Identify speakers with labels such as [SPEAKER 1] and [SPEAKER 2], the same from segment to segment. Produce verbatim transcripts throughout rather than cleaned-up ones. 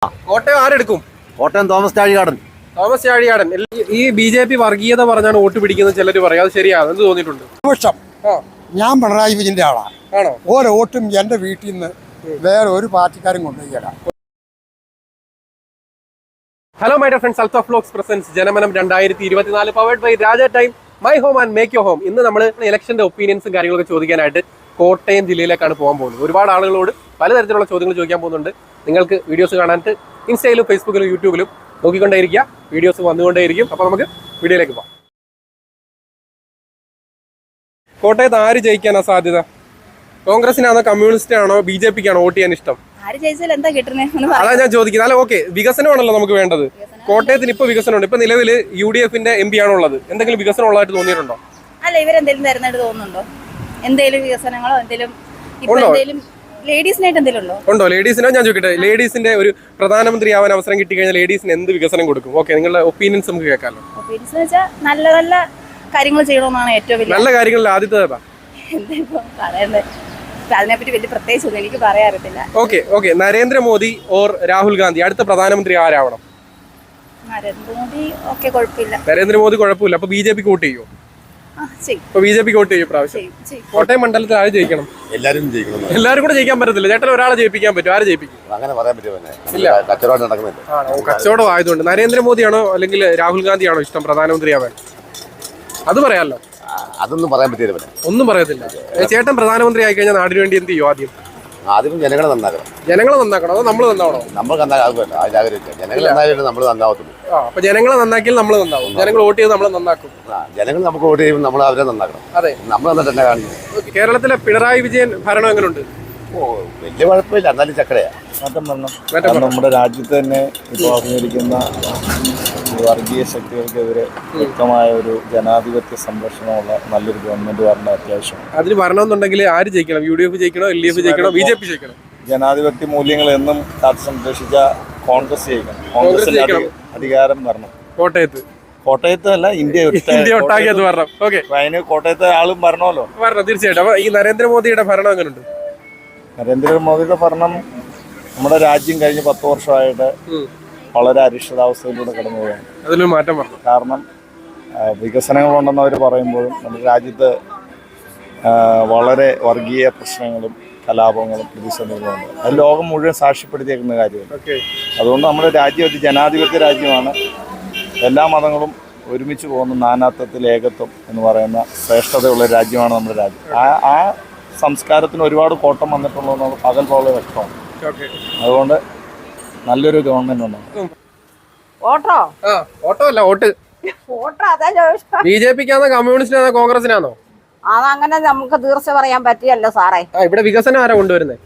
[SPEAKER 1] കോട്ടയം ആരെടുക്കും?
[SPEAKER 2] കോട്ടയം തോമസ് ചാഴികാടൻ.
[SPEAKER 1] തോമസ് ചാഴികാടൻ. ഈ B J P വർഗീയത പറഞ്ഞാണ് വോട്ട് പിടിക്കുന്നത് ചിലർ പറയും, അത് ശരിയാണ് എന്ത് തോന്നിയിട്ടുണ്ട്?
[SPEAKER 3] ഞാൻ പിണറായി വിജയന്റെ ആളാണ്.
[SPEAKER 1] ആണോ?
[SPEAKER 3] ഓരോ വോട്ടും എന്റെ വീട്ടിൽ നിന്ന് വേറെ ഒരു പാർട്ടിക്കാരും കൊണ്ടുപോയില്ല.
[SPEAKER 1] Hello my dear friends, Althaf vlogs presents Janamanam രണ്ടായിരത്തി ഇരുപത്തിനാല് powered by Raja time my home and make your home. ഇന്ന് നമ്മൾ ഇലക്ഷന്റെ ഒപ്പീനിയൻസും കാര്യങ്ങളൊക്കെ ചോദിക്കാനായിട്ട് കോട്ടയം ജില്ലയിലേക്കാണ് പോകാൻ പോകുന്നത്. ഒരുപാട് ആളുകളോട് പലതരത്തിലുള്ള ചോദ്യങ്ങൾ ചോദിക്കാൻ പോകുന്നുണ്ട്. നിങ്ങൾക്ക് വീഡിയോസ് കാണാനായിട്ട് ഇൻസ്റ്റയിലും ഫേസ്ബുക്കിലും യൂട്യൂബിലും നോക്കിക്കൊണ്ടേയിരിക്കുക, വീഡിയോസ് വന്നുകൊണ്ടേയിരിക്കും. അപ്പോൾ നമുക്ക് വീഡിയോയിലേക്ക് പോകാം. കോട്ടയത്ത് ആര് ജയിക്കാനാ സാധ്യത? കോൺഗ്രസിനാണോ കമ്മ്യൂണിസ്റ്റിനാണോ ബി ജെ പിക്കാണോ വോട്ട് ചെയ്യാൻ ഇഷ്ടം? അതാ ഞാൻ ചോദിക്കുന്നത്. അല്ല ഓക്കെ, വികസനമാണല്ലോ നമുക്ക് വേണ്ടത്. കോട്ടയത്തിന് ഇപ്പൊ വികസനമുണ്ട്. ഇപ്പൊ നിലവിൽ യു ഡി എഫിന്റെ എം പി ആണുള്ളത്. എന്തെങ്കിലും വികസനം ഉള്ളതായിട്ട് തോന്നിയിട്ടുണ്ടോ?
[SPEAKER 4] അല്ല, ഇവരെന്തെങ്കിലും തരുന്നതായിട്ട് തോന്നുന്നുണ്ടോ? എന്തെങ്കിലും വികസനങ്ങളോ എന്തെങ്കിലും ലേഡീസിനായിട്ട് എന്തെങ്കിലും ഉണ്ടോ? ഉണ്ടോ?
[SPEAKER 1] ലേഡീസിനോ ഞാൻ ചോദിക്കട്ടെ, ലേഡീസിന്റെ ഒരു പ്രധാനമന്ത്രി ആവാൻ അവസരം കിട്ടിക്കഴിഞ്ഞാൽ ലേഡീസിന് എന്ത് വികസനം കൊടുക്കും? ഓക്കെ, നിങ്ങളുടെ ഒപ്പീനിയൻസ് നമുക്ക് കേൾക്കാമല്ലോ.
[SPEAKER 4] ഒപ്പീനിയൻസ് വെച്ചാൽ നല്ല നല്ല കാര്യങ്ങൾ ചെയ്യണമെന്നാണ് ഏറ്റവും വലിയ
[SPEAKER 1] നല്ല കാര്യങ്ങളിൽ ആദ്യത്തെ
[SPEAKER 4] എന്താ പറയണ്ടേ, അതിനെപ്പറ്റി വലിയ പ്രത്യേകിച്ച് എനിക്ക് പറയാൻ അറിയത്തില്ല.
[SPEAKER 1] Okay okay Narendra Modi or Rahul Gandhi അടുത്ത പ്രധാനമന്ത്രി ആരാവണം?
[SPEAKER 4] നരേന്ദ്രമോദി ഓക്കെ, കുഴപ്പമില്ല.
[SPEAKER 1] നരേന്ദ്രമോദി കുഴപ്പമില്ല. അപ്പൊ ബി ജെ പിക്ക് വോട്ട് ചെയ്യോ? ഇപ്പൊ ബി ജെ പിക്ക് വോട്ട് ചെയ്യും പ്രാവശ്യം? കോട്ടയം മണ്ഡലത്തിൽ ആര് ജയിക്കണം?
[SPEAKER 2] എല്ലാരും ജയിക്കണം.
[SPEAKER 1] എല്ലാവരും കൂടെ ജയിക്കാൻ പറ്റത്തില്ല. ചേട്ടൻ ഒരാളെ ജയിപ്പിക്കാൻ പറ്റും. ആര് ജയിപ്പിക്കും?
[SPEAKER 2] അങ്ങനെ പറയാൻ പറ്റുമോ?
[SPEAKER 1] കച്ചവടം നടക്കുന്നില്ല. കച്ചവടം ആയതുകൊണ്ട് നരേന്ദ്രമോദിയാണോ അല്ലെങ്കിൽ രാഹുൽ ഗാന്ധിയാണോ ഇഷ്ടം പ്രധാനമന്ത്രി ആവാൻ? അത് പറയാമല്ലോ.
[SPEAKER 2] അതൊന്നും പറയാൻ പറ്റില്ല.
[SPEAKER 1] ഒന്നും പറയത്തില്ല. ചേട്ടൻ പ്രധാനമന്ത്രി ആയി കഴിഞ്ഞാൽ നാടിന് വേണ്ടി എന്ത് ചെയ്യും? ആദ്യം
[SPEAKER 2] ആദ്യം ജനങ്ങളെ നന്നാക്കണം.
[SPEAKER 1] ജനങ്ങളെ നന്നാക്കണം അതോ നമ്മൾ നന്നാവണോ?
[SPEAKER 2] നമ്മൾ നന്നാകുമല്ലോ, ജനങ്ങൾ നന്നായാലും നമ്മൾ നന്നാവത്തുള്ളൂ.
[SPEAKER 1] അപ്പൊ ജനങ്ങളെ നന്നാക്കിയാൽ നമ്മൾ നന്നാവും. ജനങ്ങൾ വോട്ട് ചെയ്ത് നമ്മൾ നന്നാക്കും.
[SPEAKER 2] ജനങ്ങൾ നമുക്ക് വോട്ട് ചെയ്യുമ്പോൾ നമ്മൾ അവരെ നന്നാക്കണം.
[SPEAKER 1] അതെ,
[SPEAKER 2] നമ്മൾ എന്നിട്ട് തന്നെ കാണിക്കും.
[SPEAKER 1] കേരളത്തിലെ പിണറായി വിജയൻ ഭരണം എങ്ങനെയുണ്ട്?
[SPEAKER 2] ഓ, വലിയ കുഴപ്പമില്ല, എന്നാലും ചക്കരയാ.
[SPEAKER 5] മാറ്റം വരണം. നമ്മുടെ രാജ്യത്ത് തന്നെ ഇപ്പോൾ അഭിനയിക്കുന്ന വർഗീയ ശക്തികൾക്കെതിരെ വ്യക്തമായ ഒരു ജനാധിപത്യ സംരക്ഷണമുള്ള നല്ലൊരു ഗവൺമെന്റ് വരണം അത്യാവശ്യം.
[SPEAKER 1] അതിന് വരണമെന്നുണ്ടെങ്കിൽ ആര് ജയിക്കണം? യു ഡി എഫ് ജയിക്കണോ, എൽ ഡി എഫ് ജയിക്കണോ, ബി ജെ പി ജയിക്കണം?
[SPEAKER 5] ജനാധിപത്യ മൂല്യങ്ങൾ എന്നും കാത്തു സംരക്ഷിച്ച കോൺഗ്രസ് ജയിക്കണം. കോൺഗ്രസിന് അധികാരം വരണം.
[SPEAKER 1] കോട്ടയത്ത്
[SPEAKER 5] കോട്ടയത്ത് അല്ല, ഇന്ത്യ
[SPEAKER 1] ഇന്ത്യ ഒട്ടാകെ അത് വരണം. ഓക്കെ,
[SPEAKER 5] അതിന് കോട്ടയത്തെ ആളും വരണമല്ലോ.
[SPEAKER 1] വരണം തീർച്ചയായിട്ടും. അപ്പൊ ഈ നരേന്ദ്രമോദിയുടെ ഭരണം എങ്ങനെയുണ്ട്?
[SPEAKER 5] നരേന്ദ്രമോദിയുടെ ഭരണം നമ്മുടെ രാജ്യം കഴിഞ്ഞ പത്ത് വർഷമായിട്ട് വളരെ അരിഷ്ടതാവസ്ഥയിലൂടെ കടന്നു പോവുകയാണ്.
[SPEAKER 1] അതിലൊരു മാറ്റം വരണം.
[SPEAKER 5] കാരണം വികസനങ്ങളുണ്ടെന്ന് അവർ പറയുമ്പോഴും നമ്മുടെ രാജ്യത്ത് വളരെ വർഗീയ പ്രശ്നങ്ങളും കലാപങ്ങളും പ്രതിസന്ധികളുമുണ്ട്. അത് ലോകം മുഴുവൻ സാക്ഷ്യപ്പെടുത്തിയേക്കുന്ന കാര്യമാണ്. അതുകൊണ്ട് നമ്മുടെ രാജ്യം ഒരു ജനാധിപത്യ രാജ്യമാണ്. എല്ലാ മതങ്ങളും ഒരുമിച്ച് പോകുന്ന നാനാത്വത്തിൽ ഏകത്വം എന്ന് പറയുന്ന ശ്രേഷ്ഠതയുള്ള രാജ്യമാണ് നമ്മുടെ രാജ്യം. ആ ആ സംസ്കാരത്തിന് ഒരുപാട് കോട്ടം വന്നിട്ടുള്ളതെന്ന് പകൽ പോലെ വ്യക്തമാണ്. അതുകൊണ്ട് നല്ലൊരു ഗവൺമെന്റ് ഉണ്ടാവും.
[SPEAKER 4] ഓട്ടോ
[SPEAKER 1] ഓട്ടോ അല്ല വോട്ട്. ബി ജെ പിക്കാണോ കമ്മ്യൂണിസ്റ്റിനാണോ കോൺഗ്രസിനാണോ?
[SPEAKER 4] അതങ്ങനെ നമുക്ക് തീർച്ച പറയാൻ പറ്റിയല്ലോ സാറേ.
[SPEAKER 1] ഇവിടെ വികസനം ആരാ കൊണ്ടുവരുന്നത്?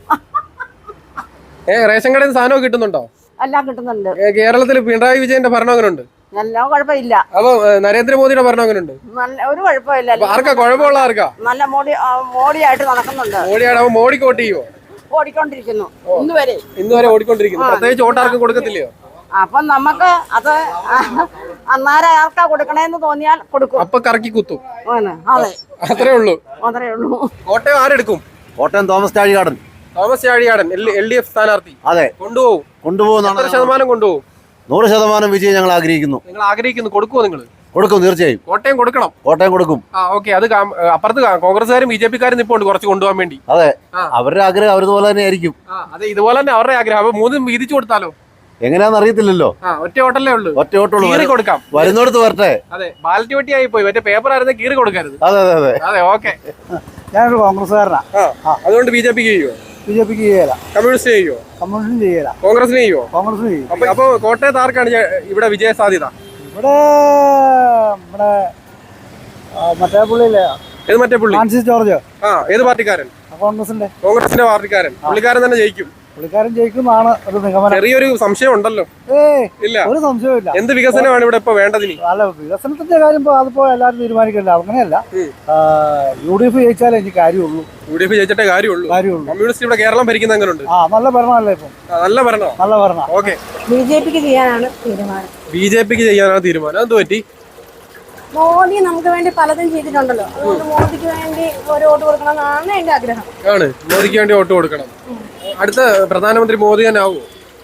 [SPEAKER 1] ഏ റേഷൻ കടയിൽ നിന്ന് സാധനം കിട്ടുന്നുണ്ടോ?
[SPEAKER 4] എല്ലാം കിട്ടുന്നുണ്ട്.
[SPEAKER 1] കേരളത്തിൽ പിണറായി വിജയന്റെ ഭരണം അങ്ങനെ ഉണ്ട്?
[SPEAKER 4] നല്ല കുഴപ്പമില്ല.
[SPEAKER 1] അപ്പൊ നരേന്ദ്രമോദിയുടെ ഭരണം അങ്ങനെ ഉണ്ട്?
[SPEAKER 4] നല്ല ഒരു കുഴപ്പമില്ല.
[SPEAKER 1] ആർക്കാ കുഴപ്പമുള്ള? ആർക്കാ?
[SPEAKER 4] നല്ല മോഡി മോഡിയായിട്ട് നടക്കുന്നുണ്ട്.
[SPEAKER 1] മോഡിയാണ്. അപ്പൊ മോഡിക്ക് വോട്ട് ചെയ്യുമോ?
[SPEAKER 4] ഓടിക്കൊണ്ടിരിക്കുന്നു ഇന്ന് വരെ
[SPEAKER 1] ഇന്ന് വരെ ഓടിക്കൊണ്ടിരിക്കുന്നു. പ്രത്യേകിച്ച് വോട്ട് ആർക്കും കൊടുക്കത്തില്ലയോ?
[SPEAKER 4] അപ്പൊ നമുക്ക് അത് അന്നേരം ആർക്കാ കൊടുക്കണേന്ന് തോന്നിയാൽ കൊടുക്കും.
[SPEAKER 1] അപ്പൊ കറക്കി കുത്തും.
[SPEAKER 4] അതെ,
[SPEAKER 1] അത്രേ ഉള്ളൂ.
[SPEAKER 4] അത്രേ ഉള്ളൂ.
[SPEAKER 1] കോട്ടയം ആരെടുക്കും?
[SPEAKER 2] Kottayam Thomas Chazhikadan.
[SPEAKER 1] Thomas Chazhikadan L D F സ്ഥാനാർത്ഥി.
[SPEAKER 2] അതെ,
[SPEAKER 1] കൊണ്ടുപോകും.
[SPEAKER 2] കൊണ്ടുപോകുന്ന
[SPEAKER 1] എത്ര ശതമാനം കൊണ്ടുപോകും?
[SPEAKER 2] നൂറ് ശതമാനം വിജയം ഞങ്ങൾ ആഗ്രഹിക്കുന്നു.
[SPEAKER 1] നിങ്ങൾ ആഗ്രഹിക്കുന്നു. കൊടുക്കുമോ? നിങ്ങൾ
[SPEAKER 2] കൊടുക്കും, തീർച്ചയായും.
[SPEAKER 1] കോട്ടയം കൊടുക്കണം.
[SPEAKER 2] കോട്ടയം കൊടുക്കും.
[SPEAKER 1] ആ ഓക്കെ. അത് അപ്പുറത്ത് കോൺഗ്രസ്സുകാരും ബി ജെ പിക്കാരും നിപ്പോണ്ട് കുറച്ച് കൊണ്ടുപോകാൻ വേണ്ടി.
[SPEAKER 2] അതെ, അവരുടെ ആഗ്രഹം അവരുപോലെ തന്നെ ആയിരിക്കും.
[SPEAKER 1] അതെ, ഇതുപോലെ തന്നെ അവരുടെ ആഗ്രഹം. അപ്പൊ മൂന്നും വീതിച്ചു കൊടുത്താലോ?
[SPEAKER 2] എങ്ങനെയാണെന്ന് അറിയത്തില്ലല്ലോ.
[SPEAKER 1] ഒറ്റ ഓട്ടല്ലേ ഉള്ളൂ.
[SPEAKER 2] ഒറ്റ ഓട്ടുള്ളൂ.
[SPEAKER 1] കീറി കൊടുക്കാം.
[SPEAKER 2] വരുന്നോടത്ത് വരട്ടെ.
[SPEAKER 1] അതെ, ബാലറ്റ് വെട്ടി ആയി പോയി. മറ്റേ പേപ്പർ ആയിരുന്നു, കീറി കൊടുക്കരുത്.
[SPEAKER 2] അതെ അതെ അതെ
[SPEAKER 1] അതെ. ഓക്കെ,
[SPEAKER 3] ഞാനൊരു കോൺഗ്രസ്സുകാരനാണ്.
[SPEAKER 1] അതുകൊണ്ട് ബി ജെ പിക്ക് ചെയ്യുമോ?
[SPEAKER 3] ബി ജെ പിക്ക് ചെയ്യല.
[SPEAKER 1] കമ്മ്യൂണിസ്റ്റ് ചെയ്യുമോ?
[SPEAKER 3] കമ്മ്യൂണിസ്റ്റും ചെയ്യല.
[SPEAKER 1] കോൺഗ്രസിന് ചെയ്യുമോ?
[SPEAKER 3] കോൺഗ്രസിന് ചെയ്യും.
[SPEAKER 1] അപ്പൊ അപ്പൊ കോട്ടയത്ത് ആർക്കാണ് ഇവിടെ വിജയ സാധ്യത?
[SPEAKER 3] ഇവിടെ നമ്മുടെ മറ്റേ പുള്ളിയില്ലേ,
[SPEAKER 1] ഏത് മറ്റേ പുള്ളി?
[SPEAKER 3] ഫ്രാൻസിസ് ജോർജ്.
[SPEAKER 1] ആ, ഏത് പാർട്ടിക്കാരൻ?
[SPEAKER 3] കോൺഗ്രസിന്റെ.
[SPEAKER 1] കോൺഗ്രസിന്റെ പാർട്ടിക്കാരൻ. പുള്ളിക്കാരൻ തന്നെ ജയിക്കും.
[SPEAKER 3] പുള്ളിക്കാരൻ ജയിക്കുന്നതാണ് ഒരു നിഗമനം.
[SPEAKER 1] ചെറിയൊരു സംശയം ഉണ്ടല്ലോ.
[SPEAKER 3] ഏയ്
[SPEAKER 1] ഇല്ല,
[SPEAKER 3] ഒരു സംശയമില്ല.
[SPEAKER 1] എന്ത് വികസനമാണ് ഇവിടെ ഇപ്പൊ വേണ്ടതിന്?
[SPEAKER 3] അല്ല, വികസനത്തിന്റെ കാര്യം അതിപ്പോ എല്ലാവരും തീരുമാനിക്കില്ല. അങ്ങനെയല്ല, യു ഡി എഫ് ജയിച്ചാലേ എനിക്ക് കാര്യമുള്ളൂ.
[SPEAKER 1] യു ഡി എഫ് ജയിച്ചിട്ടേ കാര്യമുള്ളൂ. കാര്യമുള്ളൂ. കമ്മ്യൂണിസ്റ്റ് ഇവിടെ കേരളം ഭരിക്കുന്ന എങ്ങനെയുണ്ട്?
[SPEAKER 3] ആ, നല്ല ഭരണമല്ലേ ഇപ്പം?
[SPEAKER 1] നല്ല ഭരണോ?
[SPEAKER 3] നല്ല ഭരണം.
[SPEAKER 1] ഓക്കെ,
[SPEAKER 4] ബി ജെ പിക്ക് ചെയ്യാനാണ് തീരുമാനം.
[SPEAKER 1] ബി ജെ പിക്ക് ചെയ്യാനാണ് തീരുമാനം. എന്ത് പറ്റി?
[SPEAKER 4] മോദി നമുക്ക് വേണ്ടി പലതും ചെയ്തിട്ടുണ്ടല്ലോ. അതുകൊണ്ട് മോദിക്ക് വേണ്ടി ഒരു വോട്ട് കൊടുക്കണം എന്നാണ് എന്റെ ആഗ്രഹം.
[SPEAKER 1] ആണ്, മോദിക്ക് വേണ്ടി വോട്ട് കൊടുക്കണം. അടുത്ത പ്രധാനമന്ത്രി മോദി തന്നെ ആവുമോ?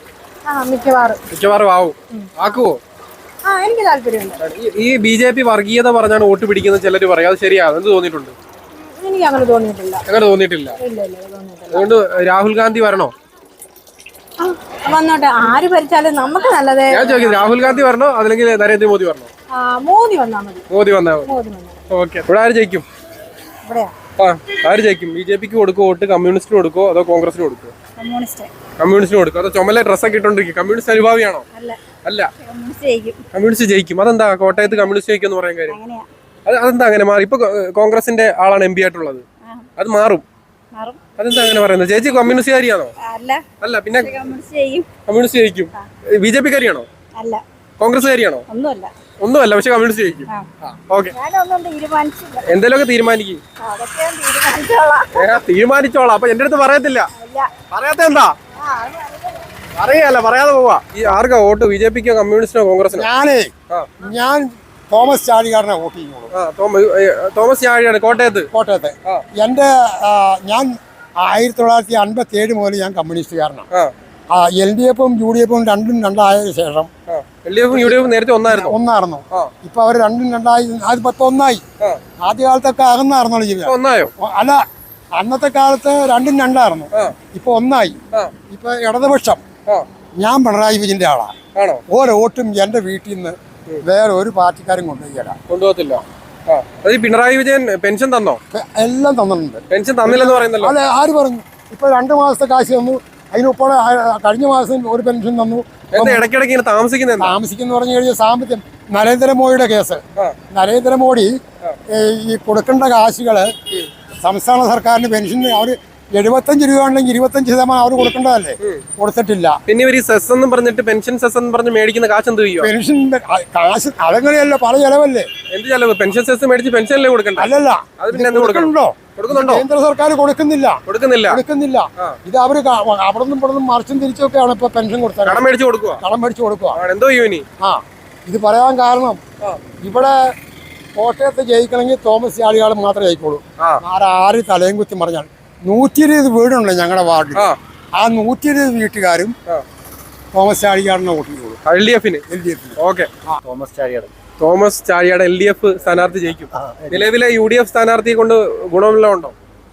[SPEAKER 4] ആ മിക്കവാറും
[SPEAKER 1] മിക്കവാറും ആവും. ആക്കുവോ?
[SPEAKER 4] ആ എനിക്ക് താല്പര്യമുണ്ട്.
[SPEAKER 1] ഈ- ഈ ബി ജെ പി വർഗീയത പറഞ്ഞാണ് വോട്ട് പിടിക്കുന്നത് ചിലർ പറയും. അത് ശരിയാണ്. എന്ത് തോന്നിയിട്ടുണ്ട്?
[SPEAKER 4] എനിക്ക് അങ്ങനെ തോന്നിയിട്ടില്ല.
[SPEAKER 1] അങ്ങനെ തോന്നിയിട്ടില്ല.
[SPEAKER 4] ഇല്ല ഇല്ല തോന്നിയിട്ടില്ല.
[SPEAKER 1] അതുകൊണ്ട് രാഹുൽ ഗാന്ധി വരണോ?
[SPEAKER 4] ആ, വന്നോട്ടെ, ആര് ഭരിച്ചാലും നമുക്ക് നല്ലത്.
[SPEAKER 1] ഞാൻ ചോദിക്കുന്നത് രാഹുൽ ഗാന്ധി വരണോ അല്ലെങ്കിൽ നരേന്ദ്രമോദി വരണോ?
[SPEAKER 4] ആ, മോദി വന്നാൽ മതി.
[SPEAKER 1] മോദി വന്നാൽ മതി.
[SPEAKER 4] മോദി വന്നാൽ
[SPEAKER 1] ഓക്കെ. ഇവിടെ ആര് ജയിക്കും?
[SPEAKER 4] ഇവിടെയാ
[SPEAKER 1] ആ ആര് ജയിക്കും? ബി ജെ പിക്ക് കൊടുക്കുമോ വോട്ട്? കമ്മ്യൂണിസ്റ്റിന് കൊടുക്കുമോ അതോ കോൺഗ്രസിന് കൊടുക്കുമോ?
[SPEAKER 4] കമ്മ്യൂണിസ്റ്റ്
[SPEAKER 1] കമ്മ്യൂണിസ്റ്റിന് കൊടുക്കും. അതോ ചുമല ഡ്രസ്സൊക്കെ ഇട്ടോണ്ടിരിക്കും? കമ്മ്യൂണിസ്റ്റ് അനുഭാവിയാണോ?
[SPEAKER 4] അല്ല,
[SPEAKER 1] അല്ല,
[SPEAKER 4] കമ്മ്യൂണിസ്റ്റ് ജയിക്കും.
[SPEAKER 1] കമ്മ്യൂണിസ്റ്റ് ജയിക്കും. അതെന്താ കോട്ടയത്ത് കമ്മ്യൂണിസ്റ്റ് ജയിക്കും എന്ന് പറയാൻ കാര്യം?
[SPEAKER 4] അങ്ങനെയാ.
[SPEAKER 1] അത് അതെന്താ അങ്ങനെ മാറി? ഇപ്പൊ കോ- കോൺഗ്രസിന്റെ ആളാണ് എം പി ആയിട്ടുള്ളത്. അത് മാറും.
[SPEAKER 4] മാറും.
[SPEAKER 1] അതെന്താ അങ്ങനെ പറയുന്നത്? ചേച്ചി കമ്മ്യൂണിസ്റ്റുകാരിയാണോ?
[SPEAKER 4] അല്ല,
[SPEAKER 1] അല്ല, പിന്നെ
[SPEAKER 4] കമ്മ്യൂണിസ്റ്റ് ചെയ്യും.
[SPEAKER 1] കമ്മ്യൂണിസ്റ്റ് ജയിക്കും. ബി ജെ പിക്കാരിയാണോ?
[SPEAKER 4] അല്ല,
[SPEAKER 1] കോൺഗ്രസ്സുകാരിയാണോ?
[SPEAKER 4] ഒന്നുമല്ല.
[SPEAKER 1] ഒന്നുമല്ല, പക്ഷെ കമ്മ്യൂണിസ്റ്റ് ജയിക്കും. ഓക്കെ.
[SPEAKER 4] ഞാനൊന്നും തീരുമാനിച്ചില്ല.
[SPEAKER 1] എന്തെങ്കിലുമൊക്കെ തീരുമാനിക്കും.
[SPEAKER 4] അതൊക്കെ ഞാൻ തീരുമാനിച്ചോളാം.
[SPEAKER 1] ഏ, തീരുമാനിച്ചോളാം. അപ്പൊ എന്റെ അടുത്ത് പറയത്തില്ല.
[SPEAKER 4] ഇല്ല.
[SPEAKER 1] പറയാത്ത എന്താ?
[SPEAKER 4] ആ, അത് അറിയില്ല.
[SPEAKER 1] അറിയാല്ല, പറയാതെ പോവാ. ഈ ആർക്കാ വോട്ട്? ബി ജെ പിക്കോ കമ്മ്യൂണിസ്റ്റിനോ കോൺഗ്രസിനോ?
[SPEAKER 6] ഞാനേ
[SPEAKER 1] ആ.
[SPEAKER 6] ഞാൻ തോമസ് ചാഴികാരനെ വോട്ട് ചെയ്യുള്ളൂ
[SPEAKER 1] ആ, തോമ- ഏ, തോമസ് ചാഴിയാണ് കോട്ടയത്ത്.
[SPEAKER 6] കോട്ടയത്തെ.
[SPEAKER 1] ആ.
[SPEAKER 6] എൻ്റെ ആ, ഞാൻ ആയിരത്തി തൊള്ളായിരത്തി അൻപത്തി ഏഴ് മുതൽ ഞാൻ കമ്മ്യൂണിസ്റ്റുകാരനാണ്.
[SPEAKER 1] ആ
[SPEAKER 6] എൽ ഡി എഫും യു ഡി എഫും രണ്ടും രണ്ടായതിനു ശേഷം
[SPEAKER 1] എൽ ഡി എഫും യു ഡി എഫും നേരത്തെ ഒന്നായിരുന്നു.
[SPEAKER 6] ഒന്നായിരുന്നു.
[SPEAKER 1] ആ.
[SPEAKER 6] ഇപ്പൊ അവർ രണ്ടും രണ്ടായി, അത് പത്ത് ഒന്നായി.
[SPEAKER 1] ആ.
[SPEAKER 6] ആദ്യ കാലത്തൊക്കെ അകന്നായിരുന്നല്ലോ
[SPEAKER 1] ഇപ്പൊ
[SPEAKER 6] ജീവിതം.
[SPEAKER 1] ഒന്നായോ?
[SPEAKER 6] അല്ല, അന്നത്തെ കാലത്ത് രണ്ടും രണ്ടായിരുന്നു.
[SPEAKER 1] ആ.
[SPEAKER 6] ഇപ്പൊ ഒന്നായി.
[SPEAKER 1] ആ.
[SPEAKER 6] ഇപ്പൊ ഇടതുപക്ഷം.
[SPEAKER 1] ആ.
[SPEAKER 6] ഞാൻ പിണറായി വിജയന്റെ ആളാണ്.
[SPEAKER 1] ആണോ?
[SPEAKER 6] ഓരോ വോട്ടും എൻ്റെ വീട്ടിൽ നിന്ന് വേറെ ഒരു പാർട്ടിക്കാരും കൊണ്ടുപോയില്ല.
[SPEAKER 1] കൊണ്ടുപോകത്തില്ല. ആ അത് ഈ പിണറായി വിജയൻ പെൻഷൻ തന്നോ?
[SPEAKER 6] എല്ലാം തന്നിട്ടുണ്ട്.
[SPEAKER 1] പെൻഷൻ തന്നില്ലെന്ന് പറയുന്നല്ലോ.
[SPEAKER 6] അല്ലെ, ആര് പറഞ്ഞു? ഇപ്പൊ രണ്ടു മാസത്തെ കാശ് തന്നു. അതിനൊപ്പം കഴിഞ്ഞ മാസം ഒരു പെൻഷൻ തന്നു.
[SPEAKER 1] എന്താ ഇടയ്ക്കിടയ്ക്ക് ഇങ്ങനെ താമസിക്കുന്നത്?
[SPEAKER 6] താമസിക്കുന്ന പറഞ്ഞു കഴിഞ്ഞാൽ സാമ്പത്തികം. നരേന്ദ്രമോദിയുടെ കേസ്.
[SPEAKER 1] ആ.
[SPEAKER 6] നരേന്ദ്രമോദി ഏ, ഈ കൊടുക്കേണ്ട കാശുകള് സംസ്ഥാന സർക്കാരിന് പെൻഷൻ അവർ എഴുപത്തഞ്ച് രൂപ ഉണ്ടെങ്കിൽ ഇരുപത്തഞ്ച് ശതമാനം അവർ കൊടുക്കേണ്ടതല്ലേ, കൊടുത്തിട്ടില്ല.
[SPEAKER 1] പിന്നെ ഇവർ ഈ സെസ് എന്നും പറഞ്ഞിട്ട് പെൻഷൻ സെസ് എന്ന് പറഞ്ഞ് മേടിക്കുന്ന കാശ് എന്ത് ചെയ്യോ?
[SPEAKER 6] പെൻഷന്റെ കാശ് അതെങ്ങനെയല്ല, പല ചെലവല്ലേ.
[SPEAKER 1] എന്ത് ചെലവ്? പെൻഷൻ സെസ് മേടിച്ച് പെൻഷനല്ലേ കൊടുക്കണ്ട?
[SPEAKER 6] അല്ലല്ല,
[SPEAKER 1] അത് പിന്നെ എന്ത് കൊടുക്കണം?
[SPEAKER 6] കൊടുക്കണ്ടോ?
[SPEAKER 1] കൊടുക്കുന്നുണ്ടോ?
[SPEAKER 6] കേന്ദ്ര സർക്കാർ കൊടുക്കുന്നില്ല.
[SPEAKER 1] കൊടുക്കുന്നില്ല.
[SPEAKER 6] കൊടുക്കുന്നില്ല. ഇത് അവര് ക- അവിടെ നിന്നും ഇവിടെ നിന്നും മറിച്ചും തിരിച്ചൊക്കെയാണ് ഇപ്പൊ പെൻഷൻ കൊടുത്തത്.
[SPEAKER 1] കടം മേടിച്ച് കൊടുക്കുക.
[SPEAKER 6] കടം മേടിച്ചു കൊടുക്കുക.
[SPEAKER 1] എന്തോ ചെയ്യും ഇനി?
[SPEAKER 6] ആ ഇത് പറയാൻ കാരണം ഇവിടെ കോട്ടയത്ത് ജയിക്കണമെങ്കിൽ തോമസ് ചാഴികാട് മാത്രമേ ജയിക്കുള്ളൂ.
[SPEAKER 1] ആ.
[SPEAKER 6] ആരാര് തലയും കുത്തി പറഞ്ഞാൽ നൂറ്റി ഇരുപത് വീടുണ്ട് ഞങ്ങളുടെ വാർഡിൽ.
[SPEAKER 1] ആ.
[SPEAKER 6] ആ നൂറ്റി ഇരുപത് വീട്ടുകാരും തോമസ് ചാഴികാടിനെ വോട്ട് ചെയ്യുള്ളൂ.
[SPEAKER 1] എൽ ഡി എഫിന്.
[SPEAKER 6] എൽ ഡി എഫിന്.
[SPEAKER 1] Okay.
[SPEAKER 2] Thomas Chazhikad.
[SPEAKER 1] Thomas Chazhiyad L D F സ്ഥാനാർത്ഥി ജയിക്കും. നിലവിലെ യു ഡി എഫ് സ്ഥാനാർത്ഥിയെ കൊണ്ട് ഗുണമെല്ലാം ഉണ്ടോ?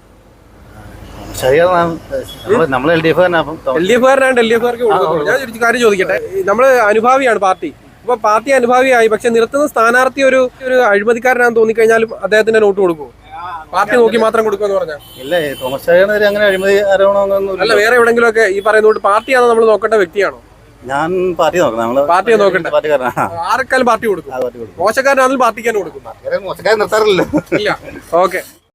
[SPEAKER 2] നമ്മൾ എൽ ഡി എഫ് തന്നെ. അപ്പം
[SPEAKER 1] എൽ ഡി എഫ് കാരനാണ് എൽ ഡി എഫ് കാർക്ക് കൊടുക്കുള്ളൂ. ഞാൻ ഒരു കാര്യം ചോദിക്കട്ടെ, നമ്മള് അനുഭാവിയാണ് പാർട്ടി. അപ്പൊ പാർട്ടി അനുഭാവിയായി, പക്ഷെ നിർത്തുന്ന സ്ഥാനാർത്ഥി ഒരു ഒരു അഴിമതിക്കാരനാണെന്ന് തോന്നിക്കഴിഞ്ഞാലും അദ്ദേഹത്തിന്റെ നോട്ട് കൊടുക്കുമോ? പാർട്ടി നോക്കി മാത്രം കൊടുക്കുമെന്ന് പറഞ്ഞാൽ?
[SPEAKER 2] ഇല്ല, തോമസ് ചാഴികാട് അങ്ങനെ അഴിമതി ആരോപണമൊന്നും.
[SPEAKER 1] അല്ല, വേറെ എവിടെങ്കിലും ഒക്കെ ഈ പറയുന്ന കൊണ്ട് പാർട്ടിയാണോ നമ്മൾ നോക്കേണ്ട വ്യക്തിയാണോ?
[SPEAKER 2] ഞാൻ പാർട്ടി നോക്കണം. നമ്മള്
[SPEAKER 1] പാർട്ടിയെ നോക്കണ്ടേ?
[SPEAKER 2] പാർട്ടിക്കാരനാണ്.
[SPEAKER 1] ആർക്കാലും പാർട്ടി കൊടുക്കും. മോശക്കാരനാണെങ്കിലും പാർട്ടിക്കാനും കൊടുക്കും.
[SPEAKER 2] മോശക്കാരെ നിർത്താറില്ലല്ലോ.
[SPEAKER 1] ഇല്ല. ഓക്കെ.